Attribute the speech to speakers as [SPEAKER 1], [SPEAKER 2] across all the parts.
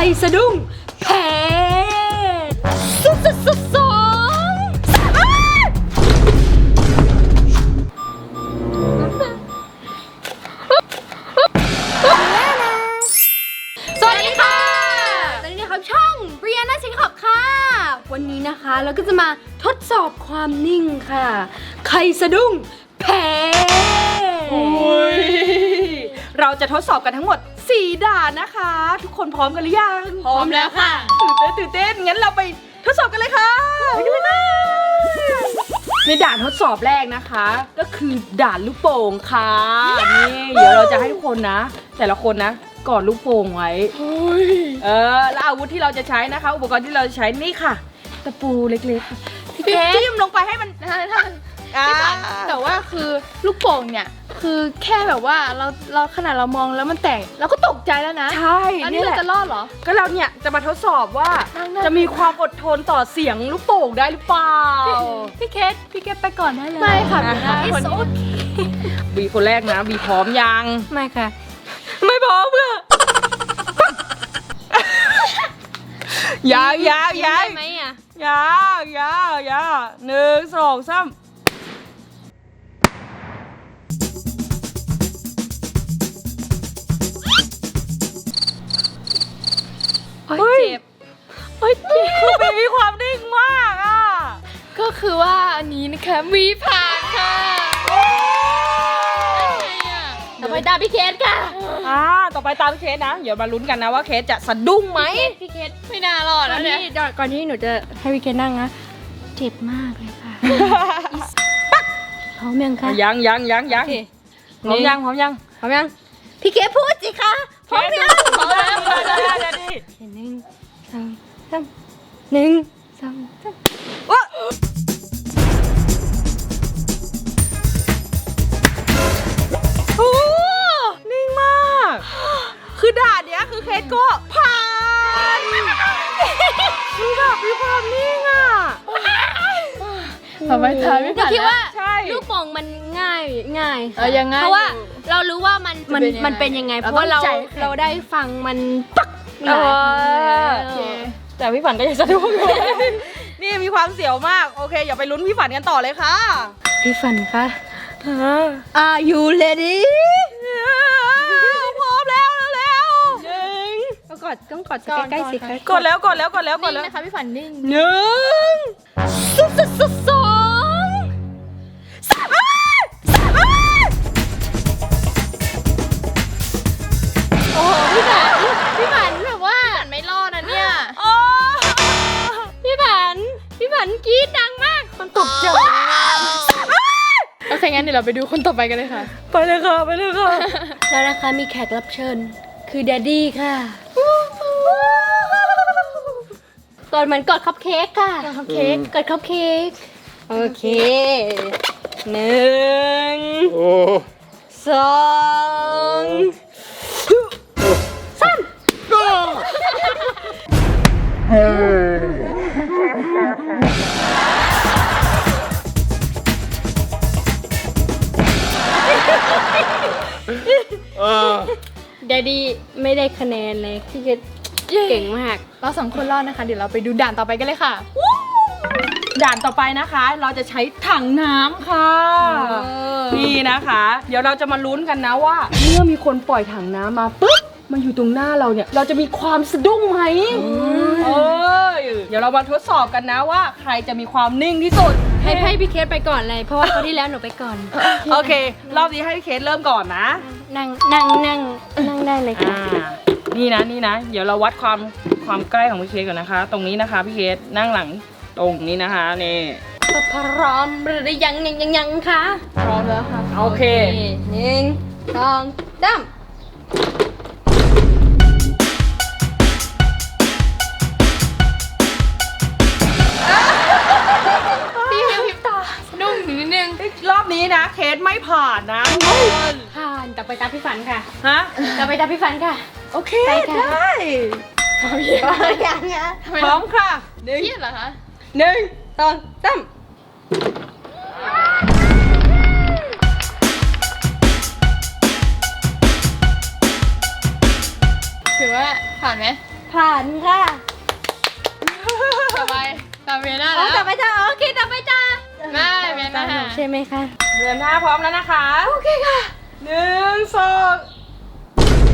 [SPEAKER 1] สะดุ้งแพ้สุดสองสวัสดีค่ะตอนนี้นะครับช่องเรียนนะชิคขอบค่ะวันนี้นะคะเราก็จะมาทดสอบความนิ่งค่ะใครสะดุ้งแพ้เราจะทดสอบกันทั้งหมด4 ด่านนะคะทุกคนพร้อมกันหรือยัง
[SPEAKER 2] พร้อมแล้วค่ะ
[SPEAKER 1] ตื่นเต้นงั้นเราไปทดสอบกันเลยค่ะไปกันเลยในด่านทดสอบแรกนะคะก็คือด่านลูกโป่งค่ะนี่เดี๋ยวเราจะให้ทุกคนนะแต่ละคนนะกอดลูกโป่งไว้แล้วอาวุธที่เราจะใช้นะคะอุปกรณ์ที่เราจะใช้นี่ค่ะตะปูเล็กๆพี่จิ้มลงไปให้มัน
[SPEAKER 2] พี่ฝันแต่ว่าคือลูกโป่งเนี่ยคือแค่แบบว่าเราขนาดเรามองแล้วมันแตกเราก็ตกใจแล้วนะ
[SPEAKER 1] ใช่
[SPEAKER 2] อันนี้เราจะรอดเหรอ
[SPEAKER 1] ก็เราเนี่ยจะมาทดสอบว่าจะมีความอดทนต่อเสียงลูกโป่งได้หรือเปล่า
[SPEAKER 2] พี่เคสไปก่อนได้เลยไม่ค่ะคนนี้
[SPEAKER 1] บีคนแรกนะบีพร้อมยัง
[SPEAKER 2] ไม่ค่ะ
[SPEAKER 1] ไม่พร้อมเพื่อยาว
[SPEAKER 2] ไหมอ่ะ
[SPEAKER 1] ยาว1 2 3
[SPEAKER 2] เจ็บ
[SPEAKER 1] คือมีความนิ่งมากอ่ะ
[SPEAKER 2] ก็คือว่าอันนี้นะคะมีผ่านค่ะต่อไปตามพี่เคสค่ะ
[SPEAKER 1] ต่อไปตามพี่เคสนะเดี๋ยวมาลุ้นกันนะว่าเคสจะสะดุ้งไหม
[SPEAKER 2] พี่เคสไม่น่ารอดแล้วเนี่ยก่อนที่หนูจะให้พี่เคสนั่งนะเจ็บมากเลยค่ะพร้อมยังคะ
[SPEAKER 1] ยังพร้อมยัง
[SPEAKER 2] พี่เคสพูดสิคะพร้อมยัง
[SPEAKER 1] พร้อมแล้ว
[SPEAKER 2] 1 2 3 1 2 3
[SPEAKER 1] โอ้นิ่งมากคือด่านเนี้ยคือเคสก็ผ่านคือแบบมีความนิ่งอ่ะ
[SPEAKER 2] ทำไมทายไม่ผ่าน
[SPEAKER 3] คิดว่าลูกโป่งมันง่าย
[SPEAKER 2] ยังไง
[SPEAKER 3] เพราะว่าเรารู้ว่ามันเป็นยังไงเพราะว่าเราได้ฟังมันปัก
[SPEAKER 1] แต่พี่ฝันก็ยังสะดุ้งอยู่นี่มีความเสียวมากโอเคอย่าไปลุ้นพี่ฝันกันต่อเลยค่ะ
[SPEAKER 3] พี่ฝันคะAre you ready
[SPEAKER 1] พร้อมแล้ว
[SPEAKER 3] ต้องกดใกล้ๆสิคะ
[SPEAKER 1] กดแล้ว
[SPEAKER 2] นิ่งนะคะพี่ฝันนิ่ง
[SPEAKER 1] 1 2 3
[SPEAKER 2] โอ้พี่ฝันแบบว่าไม่รอดนะเนี่ย
[SPEAKER 3] พี่ฝันกรี๊ดดังมากมันตกใจ
[SPEAKER 2] โอเคงั้นเดี๋ยวเราไปดูคนต่อไปกันเลยค่ะ
[SPEAKER 1] ไปเลยค่ะ
[SPEAKER 3] แล้วนะคะมีแขกรับเชิญคือแดดดี้ค่ะก่อนเหมือนกดคัพเค้กค่ะกดคัพเค้กโอเค1 2 3แดดดี้ไม่ได้คะแนนเลยที่จะเก่งมาก
[SPEAKER 2] เรา2 คนรอดนะคะเดี๋ยวเราไปดูด่านต่อไปกันเลยค่ะ
[SPEAKER 1] ด่านต่อไปนะคะเราจะใช้ถังน้ำค่ะนี่นะคะเดี๋ยวเราจะมาลุ้นกันนะว่าเมื่อมีคนปล่อยถังน้ำมาปุ๊บมันอยู่ตรงหน้าเราเนี่ยเราจะมีความสะดุ้งไหมเดี๋ยวเรามาทดสอบกันนะว่าใครจะมีความนิ่งที่สุด
[SPEAKER 3] ให้พี่เคสไปก่อนเลยเพราะว่าคราวที่แล้วหนูไปก่อน
[SPEAKER 1] โอเครอบนี้ให้พี่เคสเริ่มก่อนนะ
[SPEAKER 3] นั่งได้เลยค่ะ
[SPEAKER 1] นี่นะเดี๋ยวเราวัดความใกล้ของพี่เคสก่อนนะคะตรงนี้นะคะพี่เคสนั่งหลังตรงนี้นะคะนี่
[SPEAKER 3] พร้อมหรือยังคะ
[SPEAKER 2] พร้อมแล้วค่ะ
[SPEAKER 1] โอเค
[SPEAKER 3] 1 2 3
[SPEAKER 1] รอบนี้นะเคสไม่ผ่านนะ
[SPEAKER 3] ผ่านต่อไปตามพี่ฝันค่ะ
[SPEAKER 1] ต่อ
[SPEAKER 3] ไปตามพี่ฝันค่ะ
[SPEAKER 1] โอเคได้
[SPEAKER 3] พร้อมยังคะ
[SPEAKER 1] พร้อมค่ะ
[SPEAKER 2] เครียดเหรอคะ
[SPEAKER 1] 1 2 3
[SPEAKER 2] ถือว่าผ่านไหมผ่านค่ะ
[SPEAKER 3] ต่อไปต่อเวียน่า
[SPEAKER 2] อ๋อ
[SPEAKER 3] แล้ว
[SPEAKER 2] ต่อไปจ้าโอเคต่อไปจ้า
[SPEAKER 3] ไม่เวียน่า
[SPEAKER 2] ใช่ไหมคะ
[SPEAKER 1] เรียนหน้าพร้อมแล้วนะคะ โอเคค่ะ1 2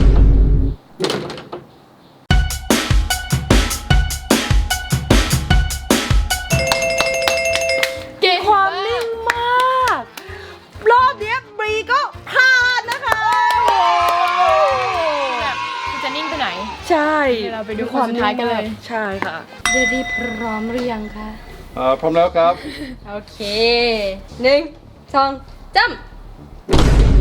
[SPEAKER 3] เก่ง
[SPEAKER 1] ความนิ่งมาก รอบเนี้ยบรีก็ผ่านนะคะ
[SPEAKER 3] แบบจะนิ่งไปไหน
[SPEAKER 1] ใช่
[SPEAKER 3] เดี๋ยวเราไปดูคนสุดท้ายกันเลย
[SPEAKER 1] ใช่ค่ะ
[SPEAKER 2] เดดี้พร้อมหรือยังคะ
[SPEAKER 4] พร้อมแล้วครับ
[SPEAKER 2] โอเค1 2 จ้ำ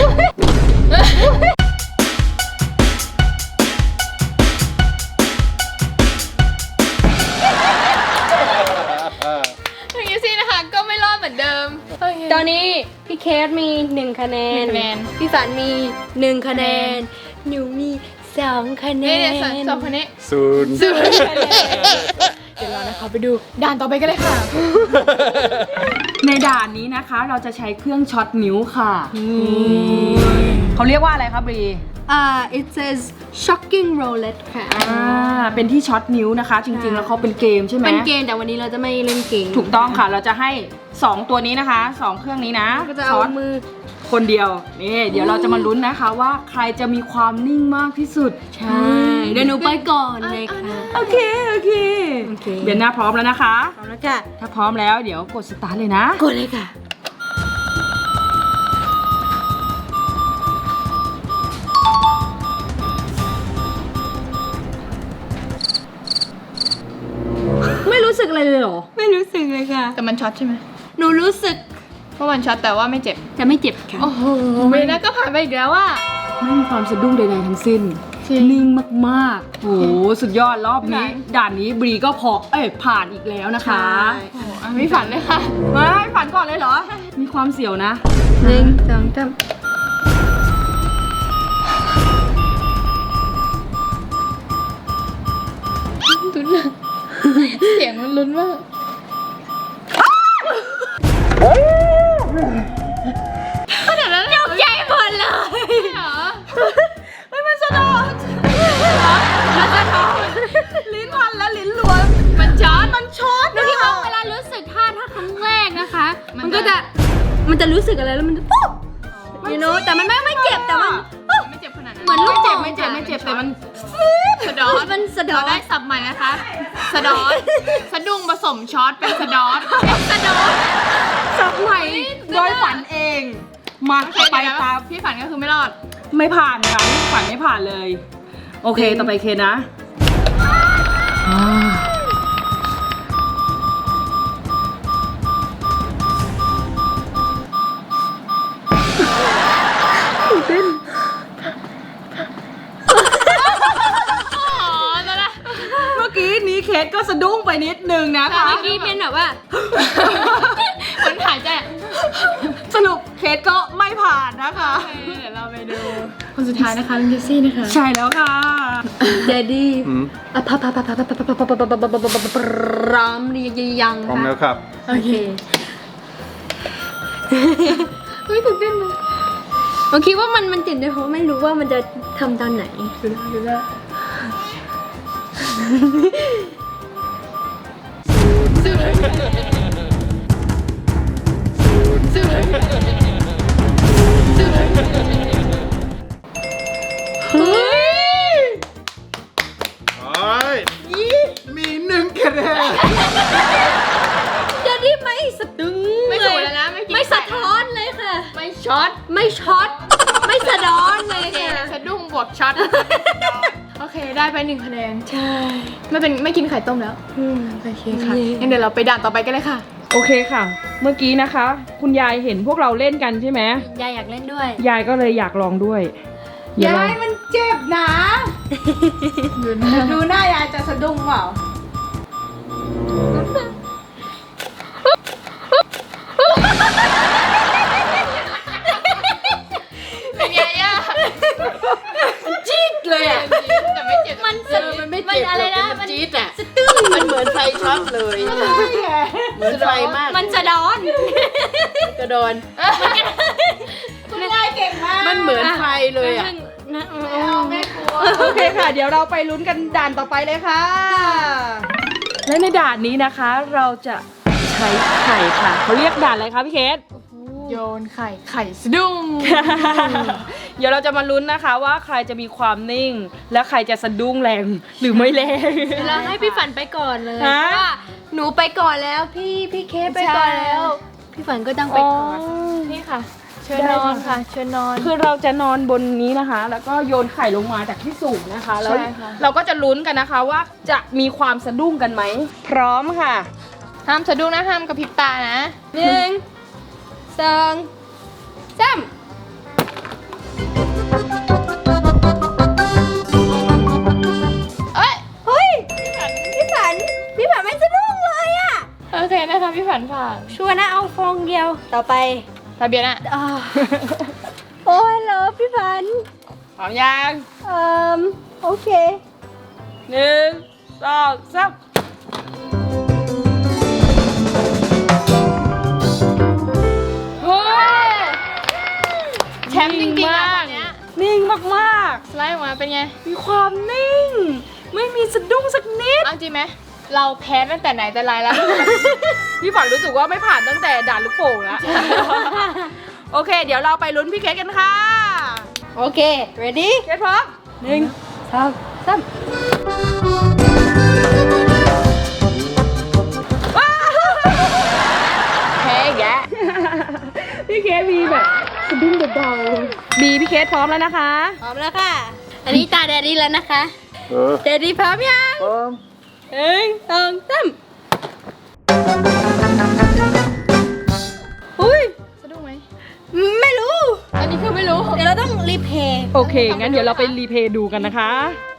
[SPEAKER 3] ทางยูซี่นะคะก็ไม่รอดเหมือนเดิม
[SPEAKER 2] ตอนนี้พี่เคสมี1คะแนน
[SPEAKER 3] 1คะแนน
[SPEAKER 2] พี่ฝันมี1คะแนนหนูมี2คะแน
[SPEAKER 3] นี่
[SPEAKER 2] น
[SPEAKER 3] เนี่ยสองคนนี้
[SPEAKER 4] ศูนย์
[SPEAKER 3] เดี๋ยวเรานะคะไปดูด่านต่อไปกันเลยค่ะ
[SPEAKER 1] ในด่านนี้นะคะเราจะใช้เครื่องช็อตนิ้วค่ะเขาเรียกว่าอะไรครับบรี
[SPEAKER 2] it says shocking roulette ค่ะ
[SPEAKER 1] เป็นที่ช็อตนิ้วนะคะ จริงๆ แล้วเขาเป็นเกมใช่ไหม
[SPEAKER 2] เป็นเกมแต่วันนี้เราจะไม่เล่นเกม
[SPEAKER 1] ถูกต้องค่ะ เราจะให้ 2 ตัวนี้นะคะ 2 เครื่องนี้นะ
[SPEAKER 2] ก็จะเอา
[SPEAKER 1] ช็อต
[SPEAKER 2] มือ
[SPEAKER 1] คนเดียวนี่เดี๋ยวเราจะมาลุ้นนะคะว่าใครจะมีความนิ่งมากที่สุด
[SPEAKER 2] ใช่เดี๋ยวหนูไปก่อนเลยค่ะ
[SPEAKER 1] โอเคโอเค
[SPEAKER 2] โอเค
[SPEAKER 1] เบียนหน้าพร้อมแล้วนะคะ
[SPEAKER 2] เอาละค่ะ
[SPEAKER 1] ถ้าพร้อมแล้วเดี๋ยวกดสตาร์ทเลยนะ
[SPEAKER 2] กดเลยค่ะ
[SPEAKER 1] ไม่รู้สึกอะไรเลยเหรอ
[SPEAKER 2] ไม่รู้สึกเลยค่ะ
[SPEAKER 3] แต่มันช็อตใช่ไหม
[SPEAKER 2] หนูรู้สึก
[SPEAKER 3] เพราะมันช็อตแต่ว่าไม่เจ็บ
[SPEAKER 2] จะไม่เจ็บค่ะ
[SPEAKER 3] โอ้โหเวียน่าก็ผ่านไปอีกแล้วอ่ะ
[SPEAKER 1] ไม่มีความสะดุ้งใดๆทั้งสิ้น
[SPEAKER 3] จริง
[SPEAKER 1] นิ่งมากๆ โอ้โหสุดยอดรอบนี้ ด่านนี้บรีก็ผ่านอีกแล้วนะคะ
[SPEAKER 3] โอ้โหอ่ะไม่ฝันเลยค่ะ
[SPEAKER 1] ไม่ฝันก่อนเลยเหรอ มีความเสี่ยวนะ
[SPEAKER 2] 1 2 3
[SPEAKER 3] เสียงมันลุ้นมากขนาดนั้นเลยเหรอ
[SPEAKER 2] ใหญ่หมดเลย
[SPEAKER 3] เหรอ
[SPEAKER 1] เฮ้ยมันสะดอนลิ้นพันและลิ้นล้วน
[SPEAKER 3] มันช็อต
[SPEAKER 1] มันช็อต
[SPEAKER 2] แล้วที่ว่าเวลารู้สึกถ้าครั้งแรกนะคะ มันจะรู้สึกอะไรแล้วมันจะปุ๊บyou know แต่มันไม่เจ็บแต่มัน
[SPEAKER 3] ไม่เจ็บขนาดนั้น
[SPEAKER 2] เหมือนลูก
[SPEAKER 1] ไม่เจ็บไม่เจ็บแต่มัน
[SPEAKER 3] สะดอน
[SPEAKER 2] มันสะดอ
[SPEAKER 3] เรา
[SPEAKER 2] น
[SPEAKER 3] ได้สับใหม่นะคะ สะดอนสะดุ้งผสมช็อตเป็นสะดอนสะดอน
[SPEAKER 1] สับใหม่โดยฝันเอง มาไปตาม
[SPEAKER 3] พี่ฝันก็คือไม่รอด
[SPEAKER 1] ไม่ผ่านค่ะฝันไม่ผ่านเลย โอเคต่อไปเคนนะเมื่อกี้นี้เคสก็สะดุ้งไปนิดนึงนะคะ
[SPEAKER 2] เมื่อกี้เป็นแบบว่า
[SPEAKER 3] คนถ่ายใจ
[SPEAKER 1] สรุปเคสก็ไม่ผ่านนะคะ
[SPEAKER 3] เดี๋ยวเราไปดู คนสุดท้ายนะคะเป็นเจสซี่นะคะ
[SPEAKER 1] ใช่แล้วค่ะ
[SPEAKER 2] เดดดี้
[SPEAKER 4] อืม
[SPEAKER 2] พร้อมหรือยัง
[SPEAKER 4] พร้อม
[SPEAKER 2] คะ
[SPEAKER 4] แล้วครับ
[SPEAKER 2] โอเค
[SPEAKER 3] เฮ้ยตื่นเต้นเลย
[SPEAKER 2] ผมคิดว่ามันตื่นเต้นเพราะไม่รู้ว่ามันจะทำตอนไหน
[SPEAKER 3] ดูได้เฮ้ย
[SPEAKER 4] มี1คะแนน
[SPEAKER 2] เดดดี้ไม่สะดึง
[SPEAKER 3] ไม่ถูกแล้วนะไม่กิน
[SPEAKER 2] ไม่สะท้อนเลยค่ะ
[SPEAKER 3] ไม่ช็อต
[SPEAKER 2] ไม่ช็อต ไม่สะดอนเล
[SPEAKER 3] โอยเค
[SPEAKER 2] ค่ะ
[SPEAKER 3] สะดุ้งบวกช็อตโอเคได้ไป1คะแนน
[SPEAKER 2] ใช่
[SPEAKER 3] ไม่กินไข่ต้มแล้ว โอเคค่ะ
[SPEAKER 2] นี่
[SPEAKER 3] งั้นเดี๋ยวเราไปด่านต่อไปกันเลยค่ะ
[SPEAKER 1] โอเคค่ะ เมื่อกี้นะคะ คุณยายเห็นพวกเราเล่นกันใช่ไหม
[SPEAKER 2] ยายอยากเล่นด้วย
[SPEAKER 1] ยายก็เลยอยากลองด้วยเดี๋วเร
[SPEAKER 5] มันเจ็บนะ ดูหน้ายายจะสะดุ้งเปล่า
[SPEAKER 3] เป็นไงอ่ะ
[SPEAKER 5] จี๊ดเลยอ่ะ
[SPEAKER 3] แต่ไม่เจ็บ
[SPEAKER 2] มันสะ
[SPEAKER 5] มันไม่
[SPEAKER 2] มัน
[SPEAKER 5] เจ็บ
[SPEAKER 2] อะไรนะ
[SPEAKER 5] มันจี๊ดอ่ะ
[SPEAKER 2] สะตึ้ง
[SPEAKER 5] มันเหมือนไฟช็อตเลย เหมือนไฟมาก
[SPEAKER 2] มันสะดอน
[SPEAKER 5] กระโดนมันเหมือนไฟเลยอ่ะ
[SPEAKER 2] นะ
[SPEAKER 1] โอเคค่ะ เดี๋ยวเราไปลุ้นกันด่านต่อไปเลยค่ะ และในด่านนี้นะคะ เราจะใช้ไข่ค่ะเขาเรียกด่านอะไรคะพี่เคส
[SPEAKER 5] โยนไข่ไข่สะดุ้ง
[SPEAKER 1] เดี๋ยวเราจะมาลุ้นนะคะว่าใครจะมีความนิ่ง และใครจะสะดุ้งแรงหรือไม่แรง
[SPEAKER 2] เราให้พี่ฝันไปก่อนเลย
[SPEAKER 1] ฮะ
[SPEAKER 2] เพราะว่าหนูไปก่อนแล้วพี่เคไปก่อนแล้ว พี่ฝันก็ต้องไปก่อน
[SPEAKER 5] นี่ค่ะ เชิญนอนค่ะ เชิญนอน
[SPEAKER 1] คือเราจะนอนบนนี้นะคะ แล้วก็โยนไข่ลงมาจากที่สูงนะคะ แล้ว
[SPEAKER 5] ใช่ค่ะ
[SPEAKER 1] เราก็จะลุ้นกันนะคะว่าจะมีความสะดุ้งกันไหม พร้อมค่ะ
[SPEAKER 5] ห้ามสะดุ้งนะห้ามกระพริบตานะ
[SPEAKER 2] 1 2 3
[SPEAKER 5] เอ้ย
[SPEAKER 2] เฮ้ยพี่ฝันไม่สะดุ้งเลยอะ
[SPEAKER 5] โอเคนะคะพี่ฝันผ่าน
[SPEAKER 2] ชัวร์นะเอาฟองเดียวต่อไป
[SPEAKER 5] ทะเบียนอะ
[SPEAKER 2] อ่าโอ้ยเหรอพี่ฝัน
[SPEAKER 1] พร้อมยัง
[SPEAKER 2] โอเค
[SPEAKER 1] 1 2 3
[SPEAKER 5] เฮ้ยแชมป์จริงๆอะคนเนี้ย
[SPEAKER 1] นิ่งมาก
[SPEAKER 5] สไลด์ออกมาเป็นไง
[SPEAKER 1] ๆ มีความนิ่ง ไม่มีสะดุ้งสักนิด
[SPEAKER 5] เอาจริงไหม เราแพ้ตั้งแต่ไหนแต่ไรแล้ว
[SPEAKER 1] พี่ฝันรู้สึกว่าไม่ผ่านตั้งแต่ด่านลูกโป่งแล้ว โอเค เดี๋ยวเราไปลุ้นพี่เคสกันค่ะ
[SPEAKER 2] โอเค ready
[SPEAKER 1] เคสพร้อม
[SPEAKER 2] 2 3
[SPEAKER 5] แพ้อีกแล้ว
[SPEAKER 1] พี่เคสมีแบบสะดุ้งเบาๆบีพี่เคสพร้อมแล้วนะคะ
[SPEAKER 2] พร้อมแล้วค่ะ อันนี้ตาแดดดี้แล้วนะคะ แดดดี้พร้อมยัง
[SPEAKER 4] พร้อม
[SPEAKER 2] 1 2 3
[SPEAKER 1] อุ้ย
[SPEAKER 5] สะดุ้งไหม
[SPEAKER 2] ไม่รู้
[SPEAKER 5] อันนี้คือไม่รู้
[SPEAKER 2] เดี๋ยวเราต้องรีเพย์
[SPEAKER 1] โอเค งั้นเดี๋ยวเราไปรีเพลย์ดูกันนะคะ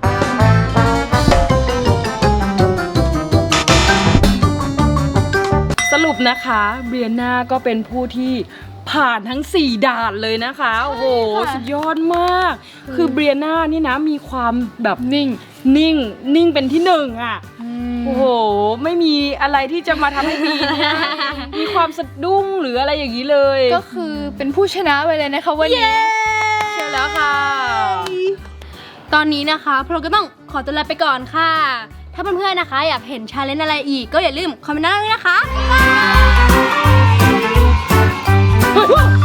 [SPEAKER 1] สรุปนะคะเบียนาก็เป็นผู้ที่ผ่านทั้ง 4 ด่านเลยนะคะ โอ้โห สุดยอดมาก คือเบียนานี่นะมีความแบบนิ่งเป็นที่หนึ่งอ่ะ โอ้โห ไม่มีอะไรที่จะมาทำให้บีเนี่ยมีความสะดุ้งหรืออะไรอย่างนี้เลย
[SPEAKER 5] ก็คือเป็นผู้ชนะไปเลยนะคะวันนี้
[SPEAKER 1] เชื่อแล้วค่ะ
[SPEAKER 2] ตอนนี้นะคะพวกเราก็ต้องขอตัวลาไปก่อนค่ะ ถ้าเพื่อนๆนะคะ อยากเห็นชาเลนจ์อะไรอีก ก็อย่าลืมคอมเมนต์ด้านล่างด้วยนะคะ
[SPEAKER 1] เฮ้ย